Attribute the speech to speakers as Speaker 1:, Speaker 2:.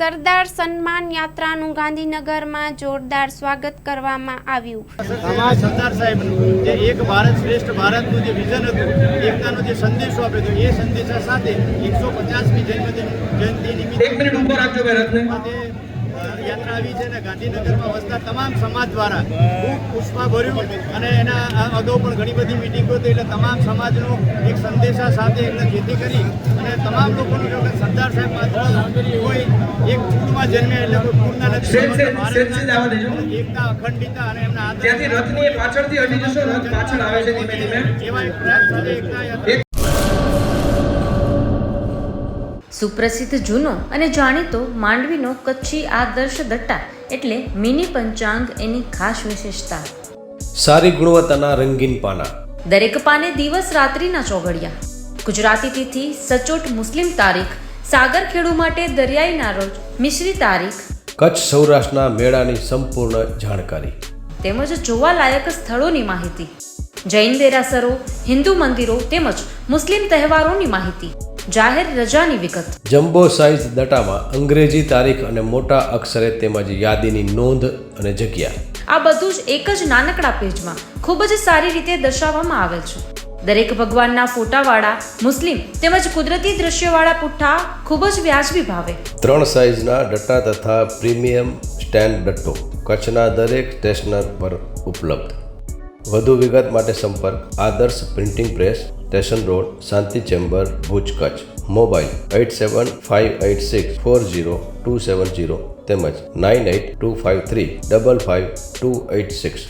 Speaker 1: સરદાર સન્માન યાત્રાનું ગાંધીનગરમાં જોરદાર સ્વાગત કરવામાં આવ્યું.
Speaker 2: સરદાર સાહેબનું જે એક ભારત શ્રેષ્ઠ ભારતનું જે વિઝન હતું, એકતાનો જે સંદેશો આપ્યો હતો, એ સંદેશા સાથે 150મી જયંતિ નિમિત્તે યાત્રા આવી છે અને ગાંધીનગરમાં વસતા તમામ સમાજ દ્વારા ખૂબ પુષ્પાભર્યું અને એના અગાઉ પણ ઘણી બધી મિટિંગો થઈ, એટલે તમામ સમાજનો એક સંદેશા સાથે એટલે જેથી કરી અને તમામ લોકોનું જો સરદાર સાહેબ માત્ર કોઈ એક કુળમાં જન્મે એટલે કોઈ કુળના નથી, એકતા અખંડિતતા અને એમના
Speaker 3: ત્યાંથી રથની પાછળથી હટી જશો, રથ પાછળ આવે છે ધીમે ધીમે
Speaker 2: એવા એક પ્રયાસ સાથે એકતા યાત્રા.
Speaker 4: સુપ્રસિદ્ધ જૂનો અને જાણીતો માંડવીનો કચ્છી આદર્શ દટ્ટા એટલે મિની પંચાંગ એની ખાસ વિશેષતા.
Speaker 5: સારી ગુણવત્તાના રંગીન પાના,
Speaker 4: દરેક પાને દિવસ રાત્રિના ચોઘડિયા, ગુજરાતી તિથિ, સચોટ મુસ્લિમ તારીખ, સાગરખેડુ માટે દરિયાઈના રોજ, મિશ્રી તારીખ,
Speaker 5: કચ્છ સૌરાષ્ટ્રના મેળાની સંપૂર્ણ જાણકારી
Speaker 4: તેમજ જોવાલાયક સ્થળોની માહિતી, જૈન દેરાસરો, હિન્દુ મંદિરો તેમજ મુસ્લિમ તહેવારોની માહિતી, જાહેર રજાની વિગત.
Speaker 5: જમ્બો સાઇઝ દટામાં અંગ્રેજી તારીખ અને મોટા અક્ષરે તેમજ યાદીની નોંધ અને જગ્યા.
Speaker 4: આ બધું જ એક જ નાનકડા પેજમાં ખૂબ જ સારી રીતે દર્શાવવામાં આવેલ છે. દરેક ભગવાનના ફોટાવાળા મુસ્લિમ તેમજ કુદરતી દ્રશ્યવાળા પુઠ્ઠા ખૂબ જ વ્યાજબી ભાવે. 3
Speaker 5: સાઇઝના દટ્ટા તથા પ્રીમિયમ સ્ટેન્ડ દટ્ટો કચ્છના દરેક સ્ટેશનર પર ઉપલબ્ધ. વધુ વિગત માટે સંપર્ક Adarsh printing press, station road, Shanti chamber, Bhuj, Kutch. Mobile 8758640270 તેમજ 9825355286.